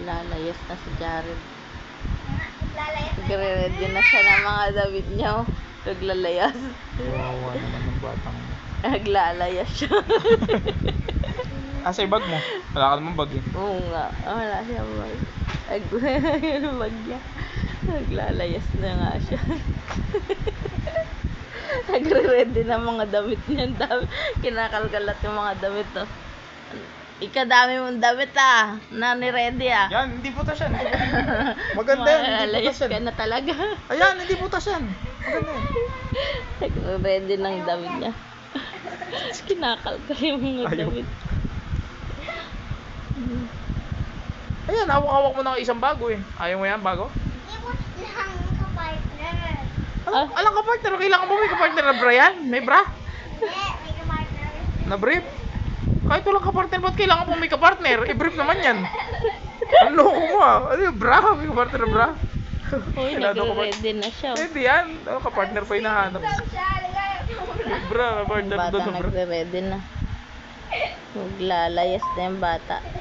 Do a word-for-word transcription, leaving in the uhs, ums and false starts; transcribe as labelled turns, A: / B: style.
A: Lalayas na si Jared.
B: Lalayas na.
A: Nagre-ready na siya ng mga damit niya. Oh. Naglalayas.
C: Kawawa naman ng batang mo.
A: Naglalayas siya.
C: Asa yung bag mo? Wala ka naman bag eh.
A: Oo nga. Ah, wala siya bag. Nag yung bag niya. Naglalayas na nga siya. Nagre-ready na mga damit niya. Ang dami. Kinakalkalat yung mga damit. Oh. Ikadami mong damit ah. Na ni-ready ah.
C: Yan, hindi putas yan. Maganda yan, hindi
A: Malayas
C: putas yan.
A: ka na talaga.
C: Ayan, hindi putas yan. Maganda yan.
A: Nagre-ready ng damit niya. Kinakalkal yung mga
C: Ayaw.
A: damit.
C: Ayan, hawak-hawak mo na isang bago eh. Ayaw mo yan, bago?
B: Hindi mo lang kapartner.
C: Ah,
A: Ah.
C: alang kapartner, kailangan mo may kapartner na bra yan? May bra?
B: Hindi, may kapartner.
C: Na brief? Kahit walang kapartner, ba't kailangan mo may kapartner? I-brief naman yan. Ang loko mo ah. Ano yung bra? May kapartner na bra?
A: Uy,
C: Kailangan ko pa-
A: nagre-ready na siya. Oh.
C: Hindi yan. Ano, kapartner pa hinahanap. May bra,
A: Yung
C: kapartner
A: bata
C: doon na bra.
A: nagre-ready na. Maglalayas na yung bata.